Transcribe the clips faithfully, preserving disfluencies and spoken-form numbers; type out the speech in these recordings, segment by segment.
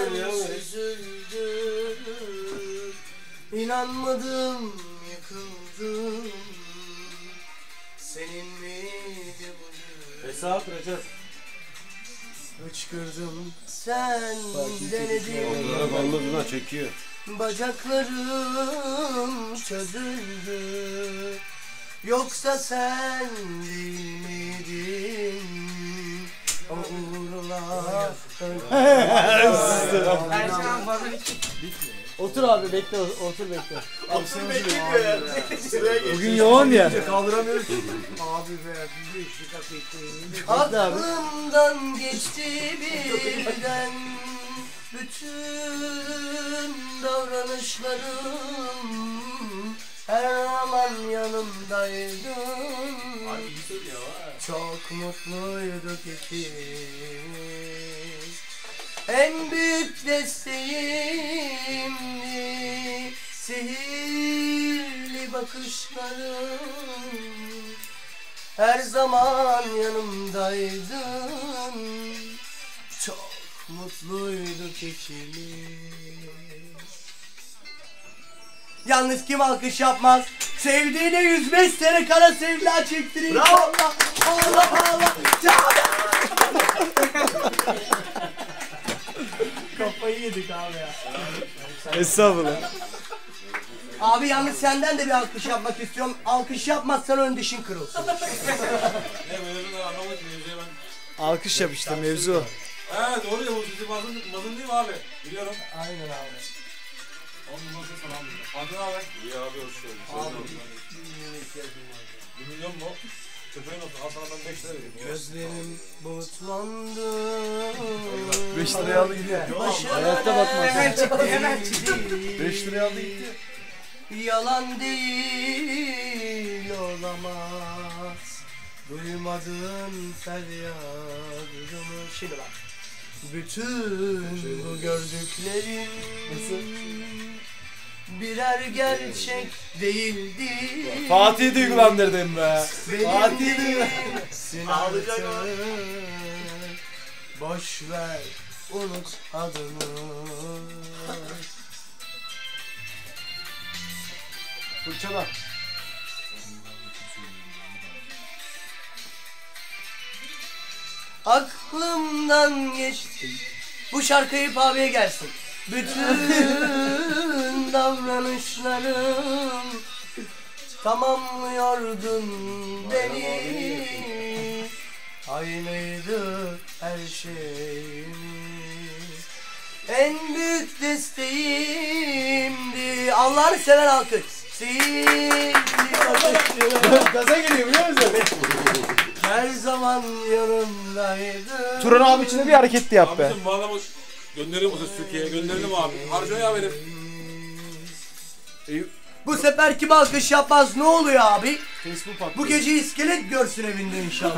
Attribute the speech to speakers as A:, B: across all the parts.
A: üzüldüm. İnanmadım, yıkıldım. Senin miydi bu gün?
B: Hesap Recep.
A: Hıçkırdım, sen denedin.
C: Onlara balladığına çekiyor.
A: Bacaklarım çözüldü. Yoksa sen değil miydin? O uğurlar.
D: Her şeyden fazla
E: Otur abi bekle, otur bekle.
A: Otur bekliyor ya.
E: Bugün yoğun ya.
B: Kaldıramıyoruz.
D: Abi be, bir iki dakika bekleyin.
A: Aklımdan geçti birden bütün davranışlarım. Her zaman yanımdaydın. Çok mutluyduk ikimiz. En büyük desteğimdi sihirli bakışların. Her zaman yanımdaydın. Çok mutluyduk ikimiz. Yalnız kim alkış yapmaz? Sevdiğine yüz beş sene kara sevda çektirin. Bravo. Allah Allah Allah. Kafayı yedik abi ya.
E: Estağfurullah.
A: Abi yalnız senden de bir alkış yapmak istiyorum. Alkış yapmazsan ön dişin kırılsın.
B: Ne mevzunu anlamadım ki mevzuya ben.
E: Alkış yap işte mevzu o.
B: He doğru ya bu sizi mazın, mazın değil mi abi? Biliyorum.
A: Aynen abi.
B: Onun nasıl sana aldım. Fatih abi. İyi abi hoş geldin.
A: Abi
B: Bir milyon mu? Köpeğin olsun. Al sana ben beş lira vereyim.
A: gözlerim bulutlandı.
C: beş liraya aldı gidiyor.
E: Hayatta bakmaz.
D: Hemen çıktı, hemen çıktı.
C: beş liraya aldı gitti.
A: Yalan değil olamaz. Duymadığın feryadımı. Şimdi bak. Bütün bu gördüklerim birer gerçek değildi.
E: Fatih duygulandırdın be.
A: Fatih duygulandırdın. Ağlayacak mı? Boş ver, unut adını.
C: Fırçala.
A: Aklımdan geçti. Bu şarkı Eyüp abiye gelsin. Bütün davranışlarım tamamlıyordun beni. Aynıydı her şeyimiz. En büyük desteğimdi. Allah'ını seven alkış. Sevdi
E: Gaza geliyor biliyor musun?
A: her zaman yanımdaydı.
E: Turan abi için de bir hareket de yap be.
B: Abicim bu adamı gönderelim o ses Türkiye'ye. Gönderelim abi. Harcıyor ya benim.
A: Bu sefer kim alkış yapmaz ne oluyor abi?
C: Facebook patlıyor.
A: Bu gece iskelet görsün evinde inşallah.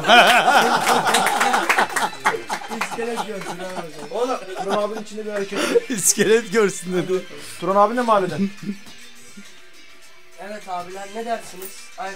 A: İskelet görsün abi.
C: Oğlum Turan abinin içinde bir hareket.
E: İskelet görsün dedi.
C: Turan abi ne mahalleden?
A: Evet abiler ne dersiniz? Ay